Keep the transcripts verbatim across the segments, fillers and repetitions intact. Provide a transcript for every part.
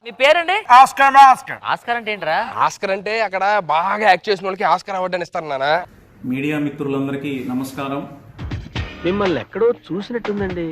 మీ పేరండి? Oscar. Oscar Oscar అంటే ఏంట్రా? ఆస్కార్ అంటే అక్కడ బాగా యాక్ట్ చేసిన వాళ్ళకి ఆస్కార్ అవార్డు అని ఇస్తారు నాన్న. మీడియా మిత్రులందరికీ నమస్కారం. మిమ్మల్ని ఎక్కడో చూసినట్టుందండి.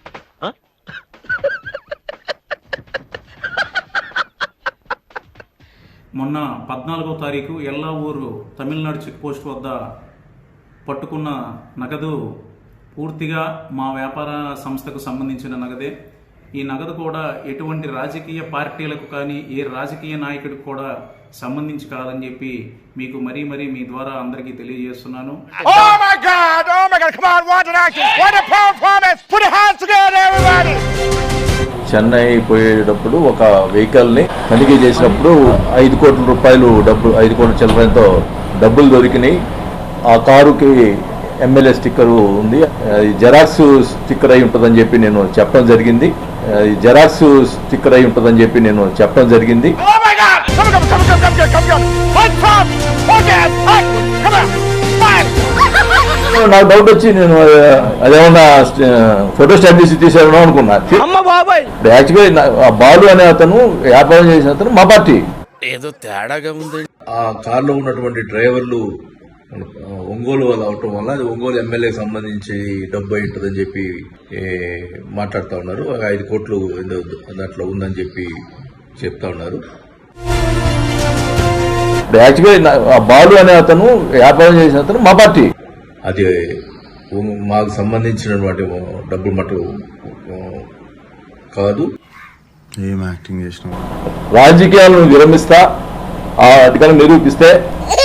మొన్న పద్నాలుగో తారీఖు ఎల్లావూరు తమిళనాడు చెక్ పోస్ట్ వద్ద పట్టుకున్న నగదు పూర్తిగా మా వ్యాపార సంస్థకు సంబంధించిన నగదే. ఈ నగదు కూడా ఎటువంటి రాజకీయ పార్టీలకు కానీ ఏ రాజకీయ నాయకుడికి కూడా సంబంధించి కాదని చెప్పి మీకు మరీ మరీ మీ ద్వారా అందరికీ తెలియజేస్తున్నాను. Oh my God! Oh my God! Come on, watch an action! What a performance! Put your hands together, everybody! Chennai పోయేటప్పుడు ఒక వెహికల్ ని తనిఖీ చేసినప్పుడు ఐదు కోట్ల రూపాయలు డబ్బు ఐదు కోట్ల చిల్లరంతో డబ్బులు దొరికినాయి. ఆ కారుకి ఎమ్మెల్యే స్టిక్కర్ ఉంది. జెరాక్స్ స్టిక్కర్ అయి ఉంటుందని చెప్పి నేను చెప్పడం జరిగింది. జెరాక్స్ స్టిక్కర్ అయి ఉంటుందని చెప్పి నేను చెప్పడం జరిగింది. Oh my God! Come on, come on, come on, come on, come on! One top! Okay, come on! Fine! నాకు డౌట్ వచ్చి నేను అదేమన్నా ఫోటో స్టాట్ చేసి తీసాను అనుకున్నా. యాక్చువల్గా బాలు అనే అతను వ్యాపారం చేసిన అతను మా పార్టీ. ఏదో తేడాగా ఉంది. ఆ కారులో ఉన్నటువంటి డ్రైవర్లు ఒంగోలు వాళ్ళు అవటం వల్ల అది ఒంగోలు ఎమ్మెల్యేకి సంబంధించి డబ్బు అయి ఉంటుందని చెప్పి మాట్లాడుతూ ఉన్నారు. ఐదు కోట్లు దాంట్లో ఉందని చెప్పి చెప్తా ఉన్నారు. యాక్చువల్గా బాలు అనే అతను వ్యాపారం చేసిన అతను మా పార్టీ. అది మాకు సంబంధించినటువంటి డబ్బులు మటు కాదు. ఏం యాక్టింగ్ చేసినా రాజకీయాలను విరమిస్తా ఆ అధికారం నిరూపిస్తే